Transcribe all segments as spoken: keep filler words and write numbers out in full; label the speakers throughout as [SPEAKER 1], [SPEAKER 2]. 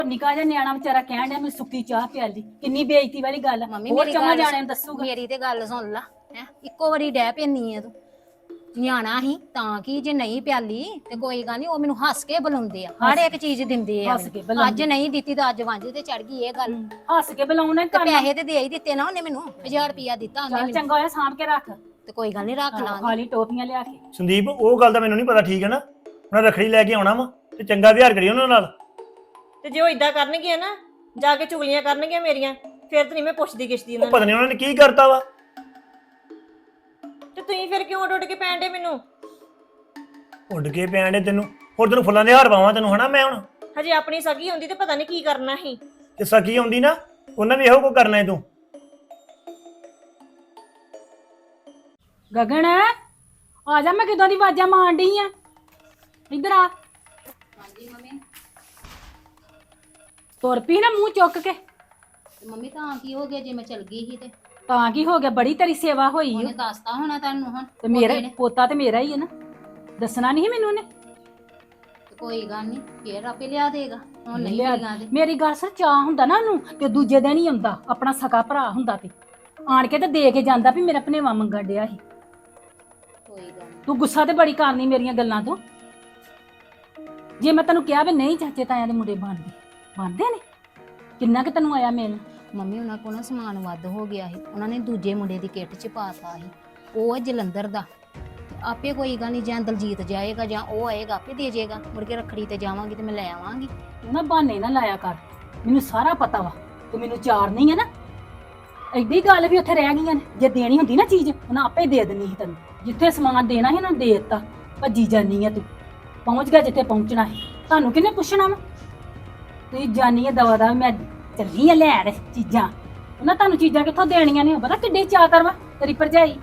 [SPEAKER 1] ਨਿੱਕਾ ਜਿਹਾ ਨਿਆਣਾ ਵਿਚਾਰਾ ਕਹਿਣ ਡਿਆ ਮੈਨੂੰ ਸੁੱਕੀ ਚਾਹ ਪਿਆਲੀ। ਕਿੰਨੀ ਬੇਇੱਜ਼ਤੀ ਵਾਲੀ ਗੱਲ।
[SPEAKER 2] ਮੰਮੀ
[SPEAKER 1] ਹੋਰ
[SPEAKER 2] ਮੇਰੀ
[SPEAKER 1] ਚੰਗਾ
[SPEAKER 2] ਗੱਲ
[SPEAKER 1] ਜਾਣੇ ਨੂੰ ਦੱਸੂਗਾ।
[SPEAKER 2] ਮੇਰੀ ਤੇ ਗੱਲ ਸੁਣ ਲਾ ਹੈ ਇੱਕੋ ਵਾਰੀ ਡੈ ਪੈਣੀ ਆ ਤੂੰ ਨਿਆਣਾ ਹੀ ਤਾਂ ਕਿ ਜੇ ਨਹੀਂ ਪਿਆਲੀ ਤੇ ਕੋਈ ਗੱਲ ਨਹੀਂ ਉਹ ਮੈਨੂੰ ਹੱਸ ਕੇ ਬੁਲਾਉਂਦੇ ਆ ਹਰ ਇੱਕ ਚੀਜ਼ ਦਿੰਦੇ ਆ
[SPEAKER 1] ਹੱਸ ਕੇ
[SPEAKER 2] ਮੈਨੂੰ।
[SPEAKER 1] ਬੁਲਾਉਂਦੇ।
[SPEAKER 2] ਅੱਜ ਨਹੀਂ ਦਿੱਤੀ ਤਾਂ ਅੱਜ ਵਾਂਝੇ ਤੇ ਚੜ ਗਈ ਇਹ ਗੱਲ।
[SPEAKER 1] ਹੱਸ ਕੇ ਬੁਲਾਉਣਾ
[SPEAKER 2] ਤੇ
[SPEAKER 1] ਕਰਨਾ।
[SPEAKER 2] ਪੈਸੇ ਤੇ ਦੇ ਹੀ ਦਿੱਤੇ ਨਾ ਉਹਨੇ ਮੈਨੂੰ ਹਜ਼ਾਰ ਰੁਪਇਆ ਦਿੱਤਾ ਉਹਨੇ
[SPEAKER 1] ਚੱਲ
[SPEAKER 2] ਮੈਨੂੰ
[SPEAKER 1] ਚੰਗਾ ਹੋਇਆ ਸਾਂਭ ਕੇ ਰੱਖ।
[SPEAKER 2] ਤੇ ਕੋਈ ਗੱਲ ਨਹੀਂ ਰੱਖ ਲਾਂਗੇ।
[SPEAKER 1] ਖਾਲੀ ਟੋਪੀਆਂ ਲਿਆ ਕੇ।
[SPEAKER 3] ਸੰਦੀਪ ਉਹ ਗੱਲ ਦਾ ਮੈਨੂੰ ਨਹੀਂ ਪਤਾ ਠੀਕ ਹੈ ਨਾ ਉਹਨਾਂ ਰੱਖੜੀ ਲੈ ਕੇ ਆਉਣਾ ਵਾ ਤੇ ਚੰਗਾ ਵਿਹਾਰ ਕਰੀ ਉਹਨਾਂ ਨਾਲ।
[SPEAKER 4] ਤੇ ਜੇ ਉਹ ਇਦਾਂ ਕਰਨਗੇ ਨਾ ਜਾ ਕੇ ਚੁਗਲੀਆਂ ਕਰਨਗੇ ਮੇਰੀਆਂ ਫਿਰ ਤੇ ਨਹੀਂ ਮੈਂ ਪੁੱਛਦੀ ਕਿਸ਼ਦੀ
[SPEAKER 3] ਉਹ
[SPEAKER 4] ਉਹਨਾਂ
[SPEAKER 3] ਪਤਾ ਨਹੀਂ ਉਹਨਾਂ ਨੇ ਕੀ ਕਰਤਾ ਵਾ।
[SPEAKER 4] ਤੇ ਤੁਸੀਂ ਫਿਰ ਕਿਉਂ ਉੱਡ ਉੱਡ ਕੇ ਪੈਣ ਡੇ ਮੈਨੂੰ?
[SPEAKER 3] ਉੱਡ ਕੇ ਪੈਣ ਡੇ ਤੈਨੂੰ ਹੋਰ ਤੈਨੂੰ ਫੁੱਲਾਂ ਦੇ ਹਾਰ ਪਾਵਾਂ ਤੈਨੂੰ ਹਨਾ ਮੈਂ ਹੁਣ।
[SPEAKER 4] ਹਜੇ ਆਪਣੀ ਸਗੀ ਹੁੰਦੀ ਤੇ ਪਤਾ ਨਹੀਂ ਕੀ ਕਰਨਾ ਸੀ।
[SPEAKER 3] ਤੇ ਸਕੀ ਆਉਂਦੀ ਨਾ ਉਹਨਾਂ ਵੀ ਇਹੋ ਕੋ ਕਰਨਾ ਹੈ ਤੂੰ।
[SPEAKER 1] ਗਗਨ ਆ ਜਾ, ਮੈਂ ਕਿਦੋਂ ਦੀ ਆਵਾਜ਼ਾਂ ਮਾਰਨ ਡਈ ਆ। ਇੱਧਰ ਆ।
[SPEAKER 2] ਹਾਂਜੀ ਮੰਮੀ
[SPEAKER 1] ਤੁਰ ਪਈ ਨਾ ਮੂੰਹ ਚੁੱਕ ਕੇ।
[SPEAKER 2] ਤੇ ਮੰਮੀ ਤਾਂ ਕੀ ਹੋ ਗਿਆ ਜੇ ਮੈਂ ਚਲ ਗਈ ਸੀ ਤੇ
[SPEAKER 1] ਤਾਂ ਕੀ ਹੋ ਗਿਆ? ਬੜੀ ਤੇਰੀ ਸੇਵਾ ਹੋਈ ਓ।
[SPEAKER 2] ਉਹਨੇ ਦੱਸਤਾ ਹੋਣਾ ਤੁਹਾਨੂੰ ਹੁਣ
[SPEAKER 1] ਤੇ ਮੇਰਾ ਪੋਤਾ ਤੇ ਮੇਰਾ ਹੀ ਹੈ ਨਾ। ਦੱਸਣਾ ਨਹੀਂ ਮੈਨੂੰ ਉਹਨੇ।
[SPEAKER 2] ਤੇ ਕੋਈ ਗੱਲ ਨਹੀਂ ਫੇਰ ਆਪੇ ਲਿਆ ਦੇਗਾ ਹੁਣ ਨਹੀਂ
[SPEAKER 1] ਲਿਆ-
[SPEAKER 2] ਮਿਲੀਆਂ ਦੇ
[SPEAKER 1] ਮੇਰੀ ਗੱਲ ਸਰ ਚਾਹ ਹੁੰਦਾ ਨਾ ਉਹਨੂੰ ਤੇ ਦੂਜੇ ਦਿਨ ਹੀ ਆਉਂਦਾ ਆਪਣਾ ਸਕਾ ਭਰਾ ਹੁੰਦਾ ਤੇ ਆਣ ਕੇ ਤੇ ਦੇ ਕੇ ਜਾਂਦਾ ਵੀ ਮੇਰਾ ਭਨੇਵਾ ਮੰਗਣ ਡਿਆ ਸੀ।
[SPEAKER 2] ਕੋਈ ਗੱਲ ਨੀ।
[SPEAKER 1] ਤੂੰ ਗੁੱਸਾ ਤੇ ਬੜੀ ਕਰਨੀ ਮੇਰੀਆਂ ਗੱਲਾਂ ਤੋਂ। ਜੇ ਮੈਂ ਤੈਨੂੰ ਕਿਹਾ ਵੀ ਨਹੀਂ ਚਾਚੇ ਤਾਇਆਂ ਦੇ ਮੁੰਡੇ ਬਣਦੇ ਬਣਦੇ ਨੇ ਕਿੰਨਾ ਕਿ ਤੈਨੂੰ ਆਇਆ ਮਿਲ।
[SPEAKER 2] ਮੰਮੀ ਉਹਨਾਂ ਕੋਲ ਨਾ ਸਮਾਨ ਵੱਧ ਹੋ ਗਿਆ ਸੀ ਉਹਨਾਂ ਨੇ ਦੂਜੇ ਮੁੰਡੇ ਦੀ ਕਿੱਟ ਚ ਪਾਤਾ ਸੀ ਉਹ ਹੈ ਜਲੰਧਰ ਦਾ। ਤੇ ਆਪੇ ਕੋਈ ਗੱਲ ਨਹੀਂ ਜਾਂ ਦਲਜੀਤ ਜਾਏਗਾ ਜਾਂ ਉਹ ਆਏਗਾ ਆਪੇ ਦੇ ਜਾਏਗਾ ਮੁੜ ਕੇ ਰੱਖੜੀ ਤੇ ਜਾਵਾਂਗੀ ਤੇ ਮੈਂ ਲੈ ਆਵਾਂਗੀ।
[SPEAKER 1] ਤੂੰ ਨਾ ਬਹਾਨੇ ਨਾ ਲਾਇਆ ਕਰ। ਮੈਨੂੰ ਸਾਰਾ ਪਤਾ ਵਾ ਤੂੰ ਮੈਨੂੰ ਚਾਰ ਨਹੀਂ ਹੈ ਨਾ। ਐਡੀ ਗੱਲ ਵੀ ਉੱਥੇ ਰਹਿ ਗਈਆਂ ਨੇ। ਜੇ ਦੇਣੀ ਹੁੰਦੀ ਨਾ ਚੀਜ਼ ਉਹਨਾਂ ਆਪੇ ਦੇ ਦੇਣੀ ਸੀ ਤੈਨੂੰ। ਜਿੱਥੇ ਸਮਾਨ ਦੇਣਾ ਸੀ ਉਹਨਾਂ ਦੇ ਦਿੱਤਾ। ਭੱਜੀ ਜਾਨੀ ਆ ਤੂੰ। ਪਹੁੰਚ ਗਿਆ ਜਿੱਥੇ ਪਹੁੰਚਣਾ ਹੈ। ਤੁਹਾਨੂੰ ਕਿਹਨੇ ਪੁੱਛਣਾ ਵਾ? ਤੁਸੀਂ ਜਾਨੀ ਆ ਦਵਾ ਦਾ ਮੈਂ ਚੱਲੀ ਆ ਲੈਣ ਚੀਜ਼ਾਂ। ਉਹਨਾਂ ਤੁਹਾਨੂੰ ਚੀਜ਼ਾਂ ਕਿੱਥੋਂ ਦੇਣੀਆਂ ਨੇ? ਪਤਾ ਕਿੱਡੇ ਚਾਅ ਕਰਵਾ ਤੇਰੀ ਭਰਜਾਈ।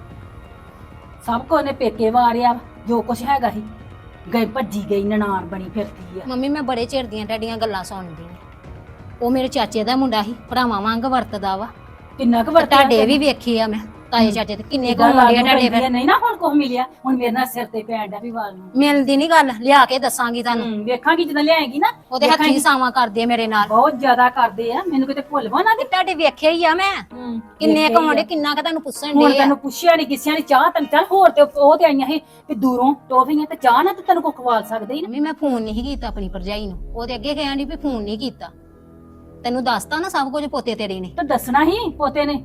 [SPEAKER 1] ਸਭ ਕੋ ਨੇ ਪੇਕੇ ਵਾਰਿਆ ਜੋ ਕੁਛ ਹੈਗਾ ਸੀ। ਗਈ ਭੱਜੀ ਗਈ ਨਨਾਣ ਬਣੀ ਫਿਰਦੀ ਆ।
[SPEAKER 2] ਮੰਮੀ ਮੈਂ ਬੜੇ ਚਿਰ ਦੀਆਂ ਤੁਹਾਡੀਆਂ ਗੱਲਾਂ ਸੁਣਦੀ ਹਾਂ। ਉਹ ਮੇਰੇ ਚਾਚੇ ਦਾ ਮੁੰਡਾ ਸੀ ਭਰਾਵਾਂ ਵਾਂਗ ਵਰਤਦਾ ਵਾ।
[SPEAKER 1] ਕਿੰਨਾ ਕੁ
[SPEAKER 2] ਤੇ
[SPEAKER 1] ਵਰਤਿਆ
[SPEAKER 2] ਤੁਹਾਡੇ ਵੀ ਵੇਖੀ ਆ ਮੈਂ ਤਾਏ ਚਾਚੇ ਤੇ ਕਿੰਨੇ ਕੁ ਮੁੰਡੇ ਆ ਤੁਹਾਡੇ ਫਿਰ।
[SPEAKER 1] ਨਹੀਂ ਨਾ ਹੁਣ ਕੁਛ ਮਿਲਿਆ। ਹੁਣ ਮੇਰੇ ਨਾਲ ਸਿਰ ਤੇ ਪੈਣ ਡਿਆ ਵੀ ਵਾਲ ਨੂੰ।
[SPEAKER 2] ਮਿਲਦੀ ਨਹੀਂ ਗੱਲ ਲਿਆ ਕੇ ਦੱਸਾਂਗੀ ਤੁਹਾਨੂੰ।
[SPEAKER 1] ਹੂੰ ਵੇਖਾਂਗੀ ਜਦੋਂ ਲਿਆਏਗੀ ਨਾ।
[SPEAKER 2] ਉਹਦੇ ਹੱਥੀਂ ਸਾਵਾਂ ਕਰਦੇ ਆ ਮੇਰੇ ਨਾਲ।
[SPEAKER 1] ਬਹੁਤ ਜ਼ਿਆਦਾ ਕਰਦੇ ਆ। ਮੈਨੂੰ ਕਿਤੇ ਭੁੱਲ ਵਾ ਨਾ
[SPEAKER 2] ਤੇ ਤੁਹਾਡੇ ਵੇਖਿਆ ਹੀ ਆ ਮੈਂ
[SPEAKER 1] ਹੂੰ
[SPEAKER 2] ਕਿੰਨੇ ਕਮਾਉਂਦੇ ਕਿੰਨਾ ਕ ਤੁਹਾਨੂੰ ਪੁੱਛਣ
[SPEAKER 1] ਹੁਣ
[SPEAKER 2] ਦੇ ਆ।
[SPEAKER 1] ਤੈਨੂੰ ਪੁੱਛਿਆ ਨਹੀਂ ਕਿਸੇ ਨੇ ਚਾਹ ਤੈਨੂੰ ਚੱਲ ਹੋਰ ਤੇ ਉਹ ਤੇ ਆਈਆਂ ਸੀ ਵੀ ਦੂਰੋਂ ਟੋਫੀਆਂ ਤੇ ਚਾਹ ਨਾ ਤੇ ਤੈਨੂੰ ਕੋ ਖਵਾਲ ਸਕਦੇ ਹੀ ਨਾ।
[SPEAKER 2] ਮੰਮੀ ਮੈਂ ਫੋਨ ਨਹੀਂ ਕੀਤਾ ਆਪਣੀ ਭਰਜਾਈ ਨੂੰ ਉਹਦੇ ਅੱਗੇ ਕਹਿਣ ਦੀ ਵੀ ਫੋਨ ਨਹੀਂ ਕੀਤਾ। ਤੈਨੂੰ ਦੱਸਤਾ ਨਾ ਸਭ ਕੁਝ ਪੋਤੇ ਤੇਰੇ ਨੇ।
[SPEAKER 1] ਤੇ ਦੱਸਣਾ ਹੀ ਪੋਤੇ ਨੇ।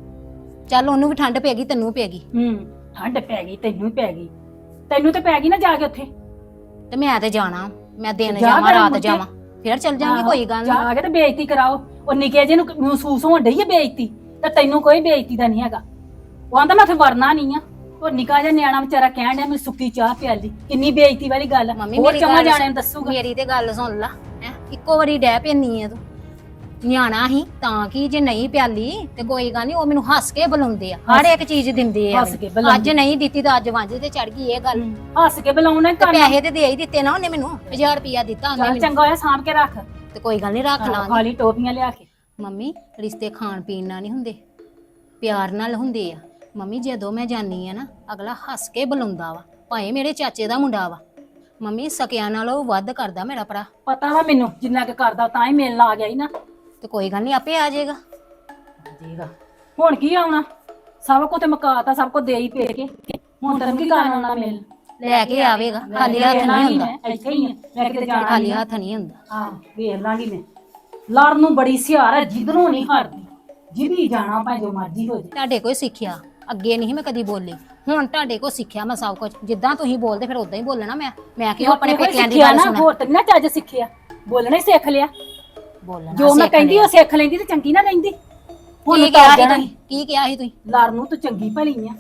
[SPEAKER 2] ਚੱਲ ਉਹਨੂੰ ਵੀ ਠੰਡ ਪੈ ਗਈ ਤੈਨੂੰ ਪੈ ਗਈ
[SPEAKER 1] ਹੂੰ ਠੰਡ ਪੈ ਗਈ ਤੈਨੂੰ ਵੀ ਪੈ ਗਈ। ਤੈਨੂੰ ਤੇ ਪੈ ਗਈ ਨਾ ਜਾ ਕੇ ਉੱਥੇ।
[SPEAKER 2] ਤੇ ਮੈਂ ਤੇ ਜਾਣਾ ਮੈਂ ਦਿਨ
[SPEAKER 1] ਜਾ
[SPEAKER 2] ਜਾਵਾਂ
[SPEAKER 1] ਫਿਰ
[SPEAKER 2] ਰਾਤ
[SPEAKER 1] ਮੁੜ ਕੇ।
[SPEAKER 2] ਜਾਵਾਂ ਫਿਰ ਚੱਲ ਜਾਵਾਂਗੇ ਕੋਈ ਗੱਲ ਨਹੀਂ।
[SPEAKER 1] ਜਾ ਕੇ ਤੇ ਬੇਇੱਜ਼ਤੀ ਕਰਾਓ। ਉਹ ਨਿੱਕੇ ਜਿਹੇ ਨੂੰ ਮਹਿਸੂਸ ਹੋਣ ਡਈ ਹੈ ਬੇਇੱਜ਼ਤੀ ਤੇ ਤੈਨੂੰ ਕੋਈ ਬੇਇੱਜ਼ਤੀ ਦਾ ਨਹੀਂ ਹੈਗਾ। ਉਹ ਆਂਦਾ ਮੈਂ ਉੱਥੇ ਵਰਨਾ ਨਹੀਂ ਆ। ਉਹ ਨਿੱਕਾ ਜਿਹਾ ਨਿਆਣਾ ਵਿਚਾਰਾ ਕਹਿਣ ਡਿਆ ਮੈਨੂੰ ਸੁੱਕੀ ਚਾਹ ਪਿਆਲੀ। ਕਿੰਨੀ ਬੇਇੱਜ਼ਤੀ ਵਾਲੀ ਗੱਲ।
[SPEAKER 2] ਮੰਮੀ
[SPEAKER 1] ਹੋਰ
[SPEAKER 2] ਮੇਰੀ
[SPEAKER 1] ਚੰਗਾ
[SPEAKER 2] ਗੱਲ
[SPEAKER 1] ਜਾਣੇ ਨੂੰ ਦੱਸੂਗਾ।
[SPEAKER 2] ਮੇਰੀ ਤੇ ਗੱਲ ਸੁਣ ਲਾ ਹੈ ਇੱਕੋ ਵਾਰੀ ਡੈ ਪੈਣੀ ਆ ਤੂੰ ਨਿਆਣਾ ਹੀ ਤਾਂ ਕਿ ਜੇ ਨਹੀਂ ਪਿਆਲੀ ਤੇ ਕੋਈ ਗੱਲ ਨਹੀਂ ਉਹ ਮੈਨੂੰ ਹੱਸ ਕੇ ਬੁਲਾਉਂਦੇ ਆ ਹਰ ਇੱਕ ਚੀਜ਼ ਦਿੰਦੇ ਆ
[SPEAKER 1] ਹੱਸ ਕੇ
[SPEAKER 2] ਮੈਨੂੰ।
[SPEAKER 1] ਬੁਲਾਉਂਦੇ।
[SPEAKER 2] ਅੱਜ ਨਹੀਂ ਦਿੱਤੀ ਤਾਂ ਅੱਜ ਵਾਂਝੇ ਤੇ ਚੜ ਗਈ ਇਹ ਗੱਲ।
[SPEAKER 1] ਹੱਸ ਕੇ ਬੁਲਾਉਣਾ
[SPEAKER 2] ਤੇ
[SPEAKER 1] ਕਰਨਾ।
[SPEAKER 2] ਪੈਸੇ ਤੇ ਦੇ ਹੀ ਦਿੱਤੇ ਨਾ ਉਹਨੇ ਮੈਨੂੰ ਹਜ਼ਾਰ ਰੁਪਇਆ ਦਿੱਤਾ ਉਹਨੇ
[SPEAKER 1] ਚੱਲ
[SPEAKER 2] ਮੈਨੂੰ।
[SPEAKER 1] ਚੰਗਾ ਹੋਇਆ ਸਾਂਭ ਕੇ ਰੱਖ।
[SPEAKER 2] ਤੇ ਕੋਈ ਗੱਲ ਨਹੀਂ ਰੱਖ ਲਾਂਗੇ।
[SPEAKER 1] ਖਾਲੀ ਟੋਪੀਆਂ ਲਿਆ ਕੇ।
[SPEAKER 2] ਮੰਮੀ ਰਿਸ਼ਤੇ ਖਾਣ ਪੀਣ ਨਾਲ ਨਹੀਂ ਹੁੰਦੇ ਪਿਆਰ ਨਾਲ ਹੁੰਦੇ ਆ। ਮੰਮੀ ਜਦੋਂ ਮੈਂ ਜਾਨੀ ਆ ਨਾ ਅਗਲਾ ਹੱਸ ਕੇ ਬੁਲਾਉਂਦਾ ਵਾ ਭਾਵੇਂ ਮੇਰੇ ਚਾਚੇ ਦਾ ਮੁੰਡਾ ਵਾ। ਮੰਮੀ ਸਕਿਆਂ ਨਾਲੋਂ ਵੱਧ ਕਰਦਾ ਮੇਰਾ ਭਰਾ।
[SPEAKER 1] ਪਤਾ ਵਾ ਮੈਨੂੰ ਜਿੰਨਾ ਕੁ ਕਰਦਾ ਤਾਂ ਹੀ ਮਿਲਣ ਆ ਗਿਆ ਹੀ ਨਾ।
[SPEAKER 2] ਤੇ ਕੋਈ ਗੱਲ ਨਹੀਂ ਆਪੇ ਆ ਜਾਏਗਾ।
[SPEAKER 1] ਜੀਗਾ ਹੁਣ ਕੀ ਆਉਣਾ? ਸਭ ਕੋ ਤੇ ਮਕਾਤਾ ਸਭ ਕੋ ਦੇ ਹੀ ਪੇ ਕੇ। ਹੁਣ ਤੈਨੂੰ ਕੀ ਕਰਨ ਆਉਣਾ ਮਿਲ?
[SPEAKER 2] ਲੈ ਕੇ ਆਵੇਗਾ ਖਾਲੀ ਹੱਥ ਨਹੀਂ ਹੁੰਦਾ।
[SPEAKER 1] ਇੱਥੇ ਹੀ ਆ ਮੈਂ ਕਿਤੇ ਜਾਣਾ
[SPEAKER 2] ਖਾਲੀ ਹੱਥ ਨਹੀਂ ਹੁੰਦਾ।
[SPEAKER 1] ਹਾਂ ਵੇਖ ਲਾਂਗੀ ਮੈਂ। ਲੜ ਨੂੰ ਬੜੀ ਸਿਆਰ ਹੈ ਜਿੱਧਰੋਂ ਨਹੀਂ ਹਟਦੀ। ਜਿੱਦੀ ਜਾਣਾ ਭਾਵੇਂ ਜੋ ਮਰਜ਼ੀ ਹੋ ਜਾਏ।
[SPEAKER 2] ਤੁਹਾਡੇ ਕੋਈ ਸਿੱਖਿਆ ਅੱਗੇ ਨਹੀਂ ਮੈਂ ਕਦੀ ਬੋਲੀ ਹੁਣ ਤੁਹਾਡੇ ਕੋਲ ਸਿੱਖਿਆ ਮੈਂ ਸਭ ਕੁਝ ਜਿੱਦਾਂ ਤੁਸੀਂ ਬੋਲਦੇ ਫਿਰ ਉਦਾਂ ਹੀ ਬੋਲਣਾ ਮੈਂ ਮੈਂ ਕਿਉਂ ਆਪਣੇ ਪੇਕਿਆਂ ਦੀ ਗੱਲ ਸੁਣਾ।
[SPEAKER 1] ਹੋਰ ਤੇ ਨਾ ਚੱਜ ਸਿੱਖਿਆ ਬੋਲਣਾ ਹੀ ਸਿੱਖ ਲਿਆ।
[SPEAKER 2] ਬੋਲਣਾ
[SPEAKER 1] ਜੋ ਮੈਂ ਕਹਿੰਦੀ ਉਹ ਸਿੱਖ ਲੈਂਦੀ ਤੇ ਚੰਗੀ ਨਾ ਰਹਿੰਦੀ। ਹੁਣ
[SPEAKER 2] ਕੀ ਕਿਹਾ ਸੀ ਤੁਸੀਂ ਕੀ ਕਿਹਾ ਸੀ ਤੁਸੀਂ?
[SPEAKER 1] ਲੜ ਨੂੰ ਤੂੰ ਚੰਗੀ ਭਲੀ ਆ।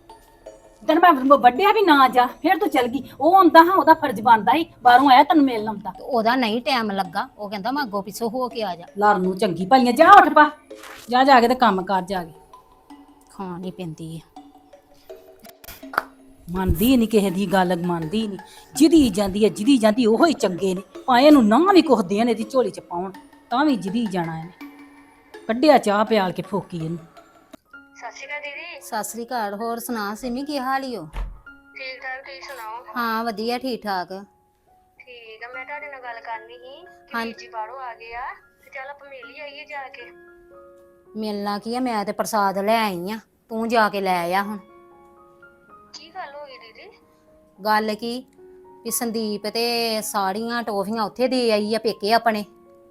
[SPEAKER 1] ਤੈਨੂੰ ਮੈਂ ਵੱਡਿਆ ਵੀ ਨਾ ਜਾ ਫਿਰ ਤੂੰ ਚਲ ਗਈ। ਉਹ ਆਉਂਦਾ ਹਾਂ ਉਹਦਾ ਫਰਜ਼ ਬਣਦਾ ਸੀ ਬਾਹਰੋਂ ਆਇਆ ਤੈਨੂੰ ਮਿਲਣ ਆਉਂਦਾ।
[SPEAKER 2] ਉਹਦਾ ਨਹੀਂ ਟਾਈਮ ਲੱਗਾ ਉਹ ਕਹਿੰਦਾ ਮੈਂ ਅੱਗੋਂ ਪਿੱਛੋਂ ਹੋ ਕੇ ਆ ਜਾ।
[SPEAKER 1] ਲੜ ਨੂੰ ਚੰਗੀ ਭਲੀ ਆ। ਜਾ ਉੱਠ ਪਾ ਜਾ ਜਾ ਕੇ ਤੇ ਕੰਮ ਕਰ ਜਾ ਕੇ।
[SPEAKER 2] ਖਾਣ ਹੀ ਪੈਂਦੀ ਆ।
[SPEAKER 1] ਮੰਨਦੀ ਨਹੀਂ ਕਿਸੇ ਦੀ ਗੱਲ ਮੰਨਦੀ ਨਹੀਂ। ਜਿਹਦੀ ਜਾਂਦੀ ਹੈ ਜਿਹਦੀ ਜਾਂਦੀ ਉਹੋ ਹੀ ਚੰਗੇ ਨੇ ਭਾਵੇਂ ਇਹਨੂੰ ਨਾ ਵੀ ਕੁਛ ਦੇਣ ਇਹਦੀ ਝੋਲੀ ਚ ਪਾਉਣ ਤਾਂ ਵੀ ਜਿਹਦੀ ਜਾਣਾ ਇਹਨੇ। ਕੱਢਿਆ ਚਾਹ ਪਿਆਲ ਕੇ ਫੋਕੀ ਇਹਨੂੰ।
[SPEAKER 5] ਸਤਿ ਸ਼੍ਰੀ ਅਕਾਲ ਦੀਦੀ।
[SPEAKER 2] ਸਤਿ ਸ੍ਰੀ ਅਕਾਲ। ਹੋਰ ਸੁਣਾ ਸਿਮੀ ਕੀ ਹਾਲ ਈ ਓ?
[SPEAKER 5] ਠੀਕ ਠਾਕ ਤੁਸੀਂ ਸੁਣਾਓ।
[SPEAKER 2] ਹਾਂ ਵਧੀਆ ਠੀਕ ਠਾਕ।
[SPEAKER 5] ਠੀਕ ਆ ਮੈਂ ਤੁਹਾਡੇ ਨਾਲ ਗੱਲ ਕਰਨੀ ਸੀ ਕਿ
[SPEAKER 2] ਹਾਂ।
[SPEAKER 5] ਵੀਰ ਜੀ ਬਾਹਰੋਂ ਆ ਗਏ ਆ ਤੇ ਚੱਲ ਆਪਾਂ ਮਿਲ ਹੀ ਆਈਏ ਜਾ ਕੇ।
[SPEAKER 2] ਮਿਲਣਾ ਕੀ ਆ, ਮੈਂ ਤੇ ਪ੍ਰਸਾਦ ਲੈ ਆਈ ਆ, ਤੂੰ ਜਾ ਕੇ ਲੈ ਆ ਹੁਣ।
[SPEAKER 5] ਕੀ ਗੱਲ ਹੋ ਗਈ ਦੀਦੀ?
[SPEAKER 2] ਗੱਲ ਕੀ ਵੀ ਸੰਦੀਪ ਤੇ ਸਾੜੀਆਂ ਟੋਫੀਆਂ ਉੱਥੇ ਦੇ ਆਈ ਆ ਪੇਕੇ ਆਪਣੇ।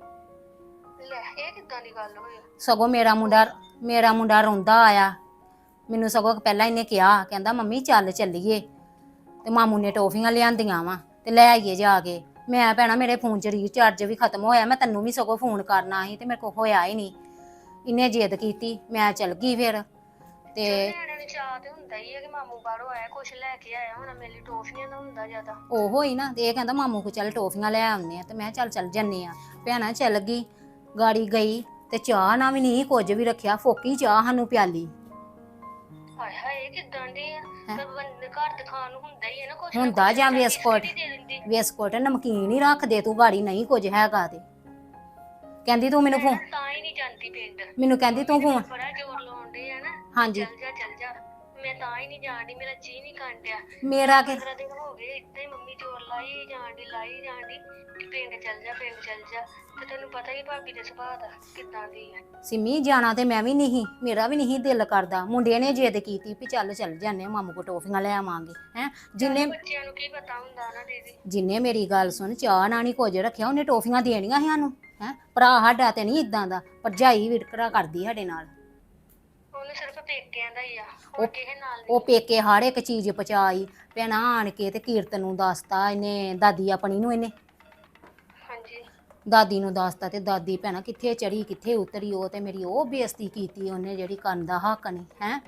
[SPEAKER 5] ਲੈ ਇਹ ਕਿੱਦਾਂ ਦੀ ਗੱਲ ਹੋਈ?
[SPEAKER 2] ਸਗੋਂ ਮੇਰਾ ਮੁੰਡਾ ਮੇਰਾ ਮੁੰਡਾ ਰੋਂਦਾ ਆਇਆ, ਮੈਨੂੰ ਸਗੋਂ ਪਹਿਲਾਂ ਇਹਨੇ ਕਿਹਾ, ਕਹਿੰਦਾ ਮੰਮੀ ਚੱਲ ਚੱਲੀਏ, ਤੇ ਮਾਮੂ ਨੇ ਟੋਫੀਆਂ ਲਿਆਂਦੀਆਂ ਵਾ ਤੇ ਲੈ ਆਈਏ ਜਾ ਕੇ। ਮੈਂ ਭੈਣਾ ਮੇਰੇ ਫੋਨ 'ਚ ਰੀਚਾਰਜ ਵੀ ਖਤਮ ਹੋਇਆ, ਮੈਂ ਤੈਨੂੰ ਵੀ ਸਗੋਂ ਫੋਨ ਕਰਨਾ ਸੀ ਤੇ ਮੇਰੇ ਕੋਲ ਹੋਇਆ ਹੀ ਨਹੀਂ। ਇਹਨੇ ਜਿੱਦ ਕੀਤੀ, ਮੈਂ ਚੱਲ ਗਈ ਫਿਰ ਤੇ
[SPEAKER 5] ਨਿਆਣਿਆਂ ਨੂੰ ਚਾਹ ਤੇ ਹੁੰਦਾ ਹੀ ਹੈ ਕਿ ਮਾਮੂ ਬਾਹਰੋਂ ਆਇਆ ਕੁਛ ਲੈ ਕੇ ਆਇਆ ਹੁਣ, ਮੇਰੇ ਲਈ ਟੋਫੀਆਂ ਦਾ ਹੁੰਦਾ ਜ਼ਿਆਦਾ।
[SPEAKER 2] ਉਹੋ ਹੀ ਨਾ, ਤੇ ਇਹ ਕਹਿੰਦਾ ਮਾਮੂ ਕੋ ਚੱਲ ਟੋਫੀਆਂ ਲੈ ਆਉਂਦੇ ਆ, ਤੇ ਮੈਂ ਚੱਲ ਚੱਲ ਜੰਨੇ ਆ। ਭੈਣਾ ਚੱਲ ਗਈ, ਗਾੜੀ ਗਈ ਤੇ ਚਾਹ ਨਾ ਵੀ ਨਹੀਂ ਕੁਝ ਵੀ ਰੱਖਿਆ, ਫੋਕੀ ਚਾਹ ਸਾਨੂੰ ਪਿਆਲੀ।
[SPEAKER 5] ਹਾਏ ਹਾਏ ਇਹ ਕਿੱਦਾਂ ਦੀ ਆ? ਤੇ ਬੰਦੇ ਘਰ ਤੇ ਖਾਣ ਨੂੰ ਹੁੰਦਾ ਹੀ ਹੈ ਨਾ ਕੁਛ ਨਾ
[SPEAKER 2] ਹੁੰਦਾ
[SPEAKER 5] ਕੁਛ,
[SPEAKER 2] ਜਾਂ
[SPEAKER 5] ਚੱਲ
[SPEAKER 2] ਬਿਸਕੁਟ
[SPEAKER 5] ਬਿਸਕਿਟ ਹੀ ਦੇ ਦਿੰਦੀ।
[SPEAKER 2] ਬਿਸਕੁਟ ਨਮਕੀਨ ਹੀ ਰੱਖ ਦੇ ਤੂੰ, ਗਾੜੀ ਨਹੀਂ ਕੁਝ ਹੈਗਾ ਤੇ ਕਹਿੰਦੀ ਤੂੰ ਮੈਨੂੰ
[SPEAKER 5] ਮੈਂ
[SPEAKER 2] ਫੋਨ
[SPEAKER 5] ਨਾ ਤਾਂ ਹੀ ਨਹੀਂ ਜਾਂਦੀ ਪਿੰਡ।
[SPEAKER 2] ਮੈਨੂੰ ਕਹਿੰਦੀ ਤੂੰ ਫੋਨ
[SPEAKER 5] ਬੜਾ ਜ਼ੋਰ ਲਾਉਂਦੇ ਆ ਨਾ,
[SPEAKER 2] ਹਾਂਜੀ
[SPEAKER 5] ਚੱਲ ਜਾ ਚੱਲ ਜਾ, ਮੈਂ ਤਾਂ ਹੀ ਨਹੀਂ ਜਾਣਦੀ, ਮੇਰਾ ਜੀ ਨਹੀਂ ਕਾਂਡਿਆ।
[SPEAKER 2] ਮੇਰਾ ਕਿ
[SPEAKER 5] ਪੰਦਰਾਂ ਦਿਨ ਹੋ ਗਏ ਇੱਦਾਂ ਹੀ ਮੰਮੀ ਜ਼ੋਰ ਲਾਈ ਜਾਣਦੀ ਲਾਈ ਜਾਣਦੀ ਕਿ ਪਿੰਡ ਚੱਲ ਜਾ ਪਿੰਡ ਚੱਲ ਜਾ, ਤੇ ਤੈਨੂੰ ਪਤਾ ਹੀ ਭਾਬੀ ਦੇ ਸੁਭਾਅ ਦਾ ਕਿੱਦਾਂ ਦੀ ਹੈ।
[SPEAKER 2] ਸਿੰਮੀ ਜਾਣਾ ਤੇ ਮੈਂ ਵੀ ਨਹੀਂ, ਮੇਰਾ ਵੀ ਨਹੀਂ ਦਿਲ ਕਰਦਾ। ਮੁੰਡੇ ਨੇ ਜਿੱਦ ਕੀਤੀ ਵੀ ਚੱਲ ਚੱਲ ਜਾਂਦੇ ਆ, ਮਾਮੂ ਕੋ ਟੋਫੀਆਂ ਲੈ ਆਵਾਂਗੇ ਹੈ। ਜਿੰਨੇ
[SPEAKER 5] ਬੱਚਿਆਂ ਨੂੰ ਕੀ ਪਤਾ ਹੁੰਦਾ ਨਾ ਦੀਦੀ।
[SPEAKER 2] ਜਿੰਨੇ ਮੇਰੀ ਗੱਲ ਸੁਣ, ਚਾਹ ਨਾ ਨਹੀਂ ਕੁਝ ਰੱਖਿਆ, ਉਹਨੇ ਟੋਫੀਆਂ ਦੇਣੀਆਂ ਸੀ ਸਾਨੂੰ ਹੈ। ਭਰਾ ਸਾਡਾ ਤੇ ਨਹੀਂ ਇਦਾਂ ਦਾ, ਭਰਜਾਈ ਵਿਤਕਰਾ ਕਰਦੀ ਸਾਡੇ ਨਾਲ।
[SPEAKER 5] ਉਹਨੂੰ ਸਿਰਫ ਪੇਕਿਆਂ ਦਾ ਹੀ ਆ, ਹੋਰ ਕਿਸੇ ਨਾਲ
[SPEAKER 2] ਉਹ ਪੇਕੇ ਹਰ ਇੱਕ ਚੀਜ਼ ਪਚਾਈ, ਭੈਣਾ ਆਣ ਕੇ ਤੇ ਕੀਰਤਨ ਨੂੰ ਦੱਸਤਾ ਇਹਨੇ, ਦਾਦੀ ਆਪਣੀ ਨੂੰ ਇਹਨੇ
[SPEAKER 5] ਹਾਂਜੀ
[SPEAKER 2] ਦਾਦੀ ਨੂੰ ਦੱਸਤਾ, ਤੇ ਦਾਦੀ ਭੈਣਾ ਕਿੱਥੇ ਚੜੀ ਕਿੱਥੇ ਉਤਰੀ, ਉਹ ਤੇ ਮੇਰੀ ਉਹ ਬੇਇੱਜ਼ਤੀ ਕੀਤੀ ਉਹਨੇ ਜਿਹੜੀ ਕਰਨ ਦਾ ਹੱਕ ਨਹੀਂ ਹੈ।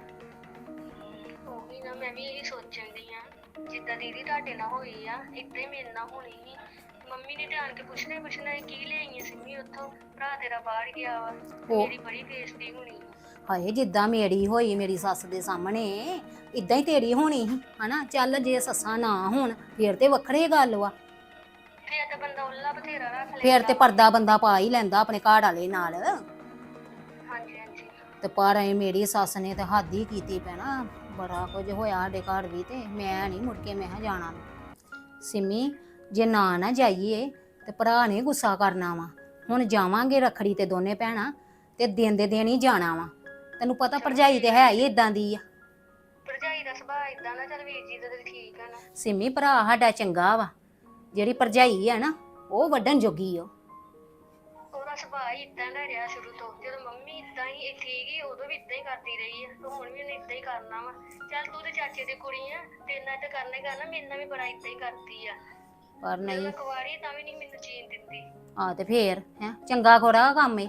[SPEAKER 5] ਉਹੀ ਨਾ, ਮੈਂ ਵੀ ਇਹੀ ਸੋਚਣ ਦੀ ਆ, ਜਿੱਦਾਂ ਦੀਦੀ ਤੁਹਾਡੇ ਨਾਲ ਹੋਈ ਆ ਏਦਾਂ ਹੀ ਮੇਰੇ ਨਾਲ ਹੋਣੀ ਸੀ। ਮੰਮੀ ਨੇ ਧਿਆਨ ਕੇ ਪੁੱਛਣਾ ਹੀ ਪੁੱਛਣਾ ਸੀ, ਕੀ ਲਿਆਈਆਂ ਸਿੰਮੀ ਉੱਥੋਂ, ਭਰਾ ਤੇਰਾ ਬਾਹਰ ਗਿਆ ਵਾ, ਮੇਰੀ ਬੜੀ ਬੇਇੱਜ਼ਤੀ ਹੋਣੀ।
[SPEAKER 2] ਹਾਏ ਜਿੱਦਾਂ ਮੇਰੀ ਹੋਈ ਮੇਰੀ ਸੱਸ ਦੇ ਸਾਹਮਣੇ, ਇਦਾਂ ਹੀ ਤੇਰੀ ਹੋਣੀ ਸੀ ਹਨਾ। ਚੱਲ ਜੇ ਸੱਸਾਂ ਨਾ ਹੋਣ ਫੇਰ ਤੇ ਵੱਖਰੀ ਗੱਲ ਵਾ,
[SPEAKER 5] ਫੇਰ ਤਾਂ ਬੰਦਾ ਉੱਲਾ ਬਥੇਰਾ ਰੱਖ ਲੈ।
[SPEAKER 2] ਫੇਰ ਤੇ ਪਰਦਾ ਬੰਦਾ ਪਾ ਹੀ ਲੈਂਦਾ ਆਪਣੇ ਘਰ ਵਾਲੇ ਨਾਲ।
[SPEAKER 5] ਹਾਂਜੀ ਹਾਂਜੀ
[SPEAKER 2] ਤੇ ਪਰ ਐ ਮੇਰੀ ਸੱਸ ਨੇ ਤੇ ਹੱਦ ਹੀ ਕੀਤੀ ਪੈਣਾ, ਬੜਾ ਕੁਝ ਹੋਇਆ ਸਾਡੇ ਘਰ ਵੀ, ਤੇ ਮੈਂ ਨਹੀਂ ਮੁੜ ਕੇ ਮੈਂ ਕਿਹਾ ਜਾਣਾ। ਸਿੰਮੀ ਜੇ ਨਾ ਨਾ ਜਾਈਏ ਤੇ ਭਰਾ ਨੇ ਗੁੱਸਾ ਕਰਨਾ ਵਾ। ਹੁਣ ਜਾਵਾਂਗੇ ਰੱਖੜੀ ਤੇ ਦੋਨੇ ਭੈਣਾਂ, ਤੇ ਦਿਨ ਦੇ ਦਿਨ ਹੀ ਜਾਣਾ ਵਾ। ਤੈਨੂੰ ਪਤਾ ਭਰਜਾਈ ਤੇ ਹੈ ਹੀ ਇਦਾਂ ਦੀ ਆ।
[SPEAKER 5] ਭਰਜਾਈ ਦਾ ਸੁਭਾਅ ਇਦਾਂ ਨਾ, ਚੱਲ ਵੀਰ ਜੀ ਦਾ ਤੇ ਠੀਕ ਆ ਨਾ।
[SPEAKER 2] ਸਿੰਮੀ ਭਰਾ ਸਾਡਾ ਚੰਗਾ ਵਾ, ਜਿਹੜੀ ਭਰਜਾਈ ਆ ਨਾ ਉਹ ਵੱਢਣ ਜੋਗੀ ਆ।
[SPEAKER 5] ਉਹਦਾ ਸੁਭਾਅ ਹੀ ਇਦਾਂ ਦਾ ਰਿਹਾ ਸ਼ੁਰੂ ਤੋਂ, ਜਦੋਂ ਮੰਮੀ ਇਦਾਂ ਹੀ ਠੀਕ ਹੀ ਉਦੋਂ ਵੀ ਇਦਾਂ ਹੀ ਕਰਦੀ ਰਹੀ ਆ, ਤੇ ਹੁਣ ਵੀ ਉਹਨੇ ਇਦਾਂ ਹੀ ਕਰਨਾ ਵਾ। ਚੱਲ ਤੂੰ ਤੇ ਚਾਚੇ ਦੀ ਕੁੜੀ ਆ, ਤੇਰੇ ਨਾਲ ਤਾਂ ਕਰਨਾ ਹੀ ਕਰਨਾ, ਮੇਰੇ ਨਾਲ ਵੀ ਬੜਾ ਇਦਾਂ ਹੀ ਕਰਦੀ ਆ।
[SPEAKER 2] ਪਰ ਨਹੀਂ
[SPEAKER 5] ਮੈਂ ਕੁਆਰੀ ਤਾਂ ਵੀ ਨਹੀਂ ਮੈਨੂੰ ਜੀਣ ਦਿੰਦੀ।
[SPEAKER 2] ਆ ਤੇ ਫੇਰ ਹੈ ਚੰਗਾ ਖੋਰਾ ਕੰਮ ਏ।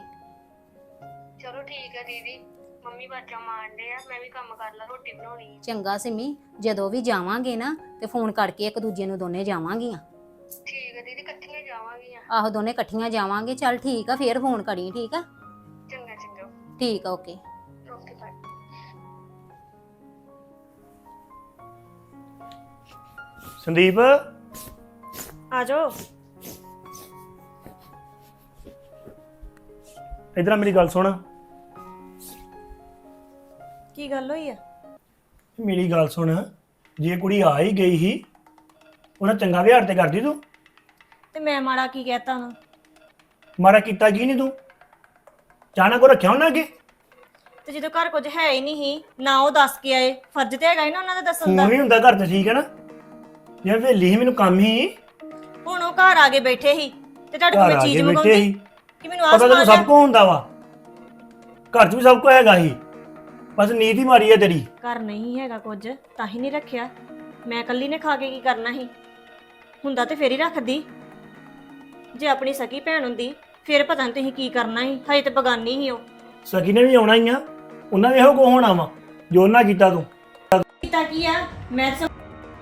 [SPEAKER 5] ਚਲੋ ਠੀਕ ਆ ਦੀਦੀ, ਮੰਮੀ ਬਾਜਾਂ ਮਾਰਦੇ ਆ, ਮੈਂ ਵੀ ਕੰਮ ਕਰ ਲਾ, ਰੋਟੀ ਬਣਾਉਣੀ ਆ।
[SPEAKER 2] ਚੰਗਾ ਸਿੰਮੀ, ਜਦੋਂ ਵੀ ਜਾਵਾਂਗੇ ਨਾ ਤੇ ਫੋਨ ਕਰਕੇ ਇੱਕ ਦੂਜੇ ਨੂੰ ਦੋਨੇ ਜਾਵਾਂਗੀਆਂ।
[SPEAKER 5] ਠੀਕ ਆ ਦੀਦੀ, ਇਕੱਠੀਆਂ ਜਾਵਾਂਗੀਆਂ।
[SPEAKER 2] ਆਹੋ ਦੋਨੇ ਇਕੱਠੀਆਂ ਜਾਵਾਂਗੇ। ਚੱਲ ਠੀਕ ਆ, ਫੇਰ ਫੋਨ ਕਰੀ। ਠੀਕ ਆ
[SPEAKER 5] ਚੰਗਾ ਚੰਗਾ,
[SPEAKER 2] ਠੀਕ ਆ, ਓਕੇ।
[SPEAKER 5] Okay bye.
[SPEAKER 3] ਸੰਦੀਪ
[SPEAKER 4] ਆ ਜਾਓ।
[SPEAKER 3] ਇਧਰ ਮੇਰੀ ਗੱਲ ਸੁਣ।
[SPEAKER 4] ਕੀ ਗੱਲ ਹੋਈ ਆ?
[SPEAKER 3] ਮੇਰੀ ਗੱਲ ਸੁਣ, ਜੇ ਕੁੜੀ ਆ ਹੀ ਗਈ ਸੀ ਉਹਨਾਂ ਚੰਗਾ ਵਿਹਾਰ ਤੇ ਕਰਦੀ ਤੂੰ।
[SPEAKER 4] ਤੇ ਮੈਂ ਮਾੜਾ ਕੀ ਕਹਿਤਾ ਉਹਨੂੰ?
[SPEAKER 3] ਮਾਰਾ ਕੀਤਾ ਕੀ ਨਹੀਂ ਤੂੰ, ਚਾਹਨਾ ਕੋ ਰੱਖਿਆ ਉਹਨਾਂ ਅੱਗੇ।
[SPEAKER 4] ਤੇ ਜਦੋਂ ਘਰ ਕੁਝ ਹੈ ਹੀ ਨਹੀਂ ਸੀ, ਨਾ ਉਹ ਦੱਸ ਕੇ ਆਏ, ਫਰਜ਼ ਤੇ ਹੈਗਾ ਹੀ ਨਾ ਉਹਨਾਂ ਦਾ ਦੱਸਣ ਦਾ।
[SPEAKER 3] ਫੋਨ ਵੀ ਹੁੰਦਾ ਘਰ ਤੇ, ਠੀਕ ਹੈ ਨਾ। ਜੇ ਵੇਲੀ ਸੀ ਮੈਨੂੰ ਕੰਮ ਹੀ,
[SPEAKER 4] ਹੁਣ ਉਹ ਘਰ ਆ ਕੇ ਬੈਠੇ ਸੀ ਤੇ ਤੁਹਾਡੇ
[SPEAKER 3] ਘਰ
[SPEAKER 4] ਕੋਲ
[SPEAKER 3] ਆ
[SPEAKER 4] ਚੀਜ਼
[SPEAKER 3] ਕੇ ਬੈਠੇ
[SPEAKER 4] ਮੰਗਾਉਂਦੇ
[SPEAKER 3] ਸੀ।
[SPEAKER 4] ਕਿ ਮੈਨੂੰ ਆਹ
[SPEAKER 3] ਪਤਾ ਤੈਨੂੰ
[SPEAKER 4] ਸਮਾਨ
[SPEAKER 3] ਸਭ ਕੁਝ ਹੁੰਦਾ ਵਾ, ਘਰ 'ਚ ਵੀ ਸਭ ਕੁਝ ਹੈਗਾ ਸੀ, ਬਸ ਨੀਤ ਹੀ ਮਾਰੀ ਹੈ ਤੇਰੀ।
[SPEAKER 4] ਘਰ ਨਹੀਂ ਹੈਗਾ ਕੁਝ ਤਾਂ ਹੀ ਨਹੀਂ ਰੱਖਿਆ। ਮੈਂ ਇਕੱਲੀ ਨੇ ਖਾ ਕੇ ਕੀ ਕਰਨਾ ਸੀ? ਹੁੰਦਾ ਤੇ ਫੇਰ ਹੀ ਰੱਖਦੀ। ਜੇ ਆਪਣੀ ਸਕੀ ਭੈਣ ਹੁੰਦੀ ਫੇਰ ਪਤਾ ਨਹੀਂ ਤੁਸੀਂ ਕੀ ਕਰਨਾ ਸੀ, ਹਜੇ ਤੇ ਬਗਾਨੀ ਸੀ ਉਹ।
[SPEAKER 3] ਸਕੀ ਨੇ ਵੀ ਆਉਣਾ ਹੀ ਆ, ਉਹਨਾਂ ਵੀ ਇਹੋ ਕੋ ਹੋਣਾ ਵਾ ਜੋ ਉਹਨਾਂ ਕੀਤਾ ਤੂੰ।
[SPEAKER 4] ਕੀਤਾ ਕੀ ਆ? ਮੈਂ ਤਾਂ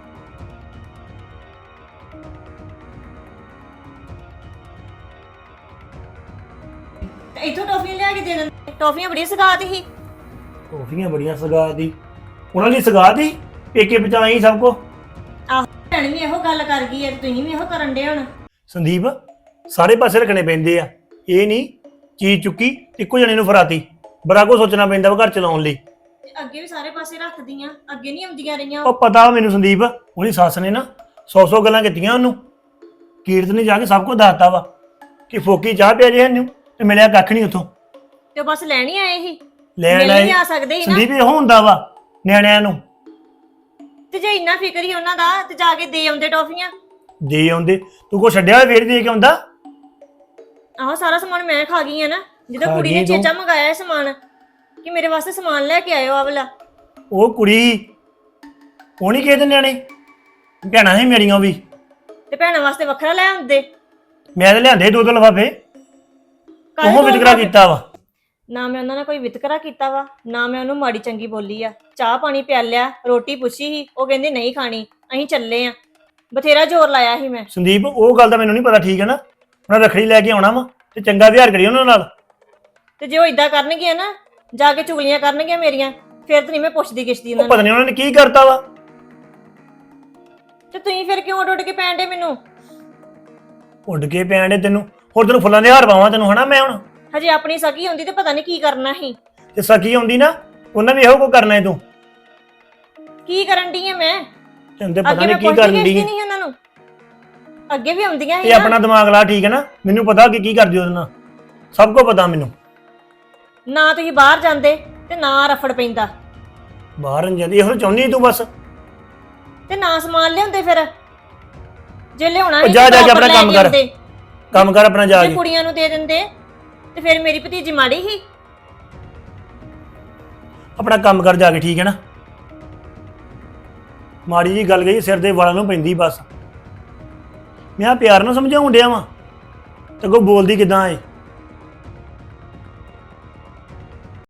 [SPEAKER 4] ਤੇ ਇੱਥੋਂ ਟੌਫੀਆਂ ਲਿਆ ਕੇ ਦੇ ਦਿੰਦੇ। ਟੌਫੀਆਂ ਬੜੀ ਸਗਾਤ ਸੀ।
[SPEAKER 3] ਟੋਫੀਆਂ ਬੜੀਆਂ ਸਗਾਤ ਦੀ, ਉਹਨਾਂ ਲਈ ਸਗਾਤ ਦੀ ਪੇਕੇ ਬਚਾਈ ਸਭ ਕੋ।
[SPEAKER 4] ਆਹ ਭੈਣ ਵੀ ਇਹੋ ਗੱਲ ਕਰ ਗਈ ਹੈ ਤੇ ਤੁਸੀਂ ਵੀ ਇਹੋ ਕਰਨ ਡੇ ਹੁਣ।
[SPEAKER 3] ਸੰਦੀਪ ਸਾਰੇ ਪਾਸੇ ਰੱਖਣੇ ਪੈਂਦੇ ਆ, ਇਹ ਨਹੀਂ ਚੀਜ਼ ਚੁੱਕੀ ਇੱਕੋ ਜਣੇ ਨੂੰ ਫਰਾਤੀ, ਬੜਾ ਕੁਝ ਸੋਚਣਾ ਪੈਂਦਾ ਵਾ ਘਰ ਚਲਾਉਣ ਲਈ।
[SPEAKER 4] ਤੇ ਅੱਗੇ ਵੀ ਸਾਰੇ ਪਾਸੇ ਰੱਖਦੀਆਂ, ਅੱਗੇ ਨਹੀਂ ਆਉਂਦੀਆਂ ਰਹੀਆਂ।
[SPEAKER 3] ਉਹ ਪਤਾ ਵਾ ਮੈਨੂੰ ਸੰਦੀਪ, ਉਹਦੀ ਸੱਸ ਨੇ ਨਾ ਸੌ ਸੌ ਗੱਲਾਂ ਕੀਤੀਆਂ ਉਹਨੂੰ, ਕੀਰਤ ਨੇ ਜਾ ਕੇ ਸਭ ਕੁਝ ਦੱਸਤਾ ਵਾ ਕਿ ਫੋਕੀ ਚਾਹ ਪਿਆ ਜੇ ਇਹਨੂੰ ਤੇ ਮਿਲਿਆ ਕੱਖ ਨਹੀਂ ਉੱਥੋਂ।
[SPEAKER 4] ਤੇ ਉਹ ਬਸ ਲੈਣ ਹੀ ਆਏ ਸੀ,
[SPEAKER 3] ਲੈਣ
[SPEAKER 4] ਮਿਲ
[SPEAKER 3] ਆਏ
[SPEAKER 4] ਨਹੀਂ ਆ ਸਕਦੇ ਸੀ ਨਾ।
[SPEAKER 3] ਸੰਦੀਪ ਇਹੋ ਹੁੰਦਾ ਵਾ ਨਿਆਣਿਆਂ ਨੂੰ।
[SPEAKER 4] ਤੇ ਜੇ ਇੰਨਾ ਫਿਕਰ ਹੀ ਉਹਨਾਂ ਦਾ ਤੇ ਜਾ ਕੇ ਦੇ ਆਉਂਦੇ ਟੌਫੀਆਂ।
[SPEAKER 3] ਦੇ ਆਉਂਦੇ, ਤੂੰ ਕੋ ਛੱਡਿਆ ਹੋਇਆ ਫੇਰ ਦੇ ਕੇ ਆਉਂਦਾ।
[SPEAKER 4] ਆਹੋ ਸਾਰਾ ਸਮਾਨ ਮੈਂ ਖਾ ਗਈ ਆ ਨਾ, ਜਦੋਂ
[SPEAKER 3] ਖਾ
[SPEAKER 4] ਕੁੜੀ
[SPEAKER 3] ਗਈ
[SPEAKER 4] ਨੇ
[SPEAKER 3] ਤੂੰ।
[SPEAKER 4] ਚੇਚਾ ਮੰਗਾਇਆ ਇਹ ਸਮਾਨ ਕਿ ਮੇਰੇ ਵਾਸਤੇ ਸਮਾਨ ਲੈ ਕੇ ਆਇਓ ਆ ਵਾਲਾ।
[SPEAKER 3] ਉਹ ਕੁੜੀ ਉਹ ਨਹੀਂ ਕਿਸੇ ਦੇ ਨਿਆਣੇ ਭੈਣਾਂ ਸੀ ਮੇਰੀਆਂ ਵੀ।
[SPEAKER 4] ਤੇ ਭੈਣਾਂ ਵਾਸਤੇ ਵੱਖਰਾ ਲੈ ਆਉਂਦੇ।
[SPEAKER 3] ਮੈਂ ਤੇ ਲਿਆਂਦੇ ਦੋ ਦੋ ਲਿਫਾਫੇ।
[SPEAKER 4] ਕਾਹਦੇ
[SPEAKER 3] ਉਹ
[SPEAKER 4] ਦੋ
[SPEAKER 3] ਵਿਤਕਰਾ
[SPEAKER 4] ਲਿਫਾਫੇ?
[SPEAKER 3] ਕੀਤਾ ਵਾ।
[SPEAKER 4] ਨਾ ਮੈਂ ਉਹਨਾਂ ਨਾਲ ਕੋਈ ਵਿਤਕਰਾ ਕੀਤਾ ਵਾ, ਨਾ ਮੈਂ ਉਹਨੂੰ ਮਾੜੀ ਚੰਗੀ ਬੋਲੀ ਆ। ਚਾਹ ਪਾਣੀ ਪਿਆਲਿਆ, ਰੋਟੀ ਪੁੱਛੀ ਸੀ, ਉਹ ਕਹਿੰਦੀ ਨਹੀਂ ਖਾਣੀ, ਅਸੀਂ ਚੱਲੇ ਆ। ਬਥੇਰਾ ਜ਼ੋਰ ਲਾਇਆ ਸੀ ਮੈਂ।
[SPEAKER 3] ਸੰਦੀਪ ਉਹ ਗੱਲ ਦਾ ਮੈਨੂੰ ਨਹੀਂ ਪਤਾ, ਠੀਕ ਹੈ ਨਾ। ਉਹਨਾਂ ਰੱਖੜੀ ਲੈ ਕੇ ਆਉਣਾ ਵਾ ਤੇ ਚੰਗਾ ਵਿਹਾਰ ਕਰੀ ਉਹਨਾਂ ਨਾਲ।
[SPEAKER 4] ਤੇ ਜੇ ਉਹ ਇਦਾਂ ਕਰਨਗੇ ਨਾ, ਜਾ ਕੇ ਚੁਗਲੀਆਂ ਕਰਨਗੇ ਮੇਰੀਆਂ, ਫਿਰ ਤਾਂ ਨਹੀਂ ਮੈਂ ਪੁੱਛਦੀ ਕਿਸ਼ਦੀ
[SPEAKER 3] ਉਹ
[SPEAKER 4] ਉਹਨਾਂ
[SPEAKER 3] ਪਤਾ
[SPEAKER 4] ਨੂੰ।
[SPEAKER 3] ਨਹੀਂ ਉਹਨਾਂ ਨੇ ਕੀ ਕਰਤਾ ਵਾ।
[SPEAKER 4] ਤੇ ਤੁਸੀਂ ਫਿਰ ਕਿਉਂ ਉੱਡ ਉੱਡ ਕੇ ਪੈਣ ਡੇ ਮੈਨੂੰ?
[SPEAKER 3] ਉੱਡ ਕੇ ਪੈਣ ਡੇ ਤੈਨੂੰ, ਹੋਰ ਤੈਨੂੰ ਫੁੱਲਾਂ ਦੇ ਹਾਰ ਪਾਵਾਂ ਤੈਨੂੰ ਹਨਾ ਮੈਂ ਹੁਣ।
[SPEAKER 4] ਹਜੇ ਆਪਣੀ ਸਕੀ ਹੁੰਦੀ ਤੇ ਪਤਾ ਨਹੀਂ ਕੀ ਕਰਨਾ ਸੀ।
[SPEAKER 3] ਤੇ ਸਕੀ ਆਉਂਦੀ ਨਾ, ਉਹਨਾਂ ਵੀ ਇਹੋ ਕੋ ਕਰਨਾ ਹੈ ਤੂੰ।
[SPEAKER 4] ਕੀ ਕਰਨ ਡਈ ਆ ਮੈਂ?
[SPEAKER 3] ਤੈਨੂੰ ਤੇ ਪਤਾ
[SPEAKER 4] ਅੱਗੇ
[SPEAKER 3] ਨਹੀਂ
[SPEAKER 4] ਮੈਂ
[SPEAKER 3] ਕੀ
[SPEAKER 4] ਪੁੱਛਦੀ
[SPEAKER 3] ਕਰਨ
[SPEAKER 4] ਕਿਸ਼ਦੀ
[SPEAKER 3] ਦੀ।
[SPEAKER 4] ਨਹੀਂ ਉਹਨਾਂ ਨੂੰ, ਅੱਗੇ ਵੀ ਆਉਂਦੀਆਂ ਸੀ
[SPEAKER 3] ਇਹ ਆਪਣਾ ਦਿਮਾਗ ਲਾ, ਠੀਕ ਹੈ ਨਾ। ਮੈਨੂੰ ਪਤਾ ਕਿ ਕੀ ਕਰਦੀ ਉਹਦੇ ਨਾਲ, ਸਭ ਕੁਝ ਪਤਾ ਮੈਨੂੰ।
[SPEAKER 4] ਨਾ ਤੁਸੀਂ ਬਾਹਰ ਜਾਂਦੇ ਤੇ ਨਾ ਰਫੜ ਪੈਂਦਾ,
[SPEAKER 3] ਬਾਹਰ ਨਹੀਂ ਜਾਂਦੀ, ਇਹੋ ਚਾਹੁੰਦੀ ਤੂੰ ਬਸ।
[SPEAKER 4] ਤੇ ਨਾ ਸਮਾਨ ਲਿਆਉਂਦੇ ਫਿਰ। ਜੇ ਲਿਆਉਣਾ
[SPEAKER 3] ਉਹ
[SPEAKER 4] ਸੀ
[SPEAKER 3] ਜਾ
[SPEAKER 4] ਤੇ
[SPEAKER 3] ਜਾ ਕੇ
[SPEAKER 4] ਬਰਾਬਰ
[SPEAKER 3] ਆਪਣਾ
[SPEAKER 4] ਲੈ
[SPEAKER 3] ਕੰਮ ਕਰ।
[SPEAKER 4] ਆਉਂਦੇ।
[SPEAKER 3] ਕੰਮ ਕਰ ਆਪਣਾ ਜਾ
[SPEAKER 4] ਜੇ
[SPEAKER 3] ਕੇ।
[SPEAKER 4] ਕੁੜੀਆਂ ਨੂੰ ਦੇ ਦਿੰਦੇ ਤੇ ਫਿਰ ਮੇਰੀ ਭਤੀਜੀ ਮਾੜੀ ਸੀ।
[SPEAKER 3] ਆਪਣਾ ਕੰਮ ਕਰ ਜਾ ਕੇ, ਠੀਕ ਹੈ ਨਾ। ਮਾੜੀ ਜੀ ਗੱਲ ਗਈ ਸਿਰ ਦੇ ਵਾਲਾਂ ਨੂੰ ਪੈਂਦੀ ਬਸ। ਮੈਂ ਪਿਆਰ ਨਾਲ ਸਮਝਾਉਣ ਡਿਆ ਵਾਂ ਤੇ ਅੱਗੋਂ ਬੋਲਦੀ ਕਿਦਾਂ ਏ।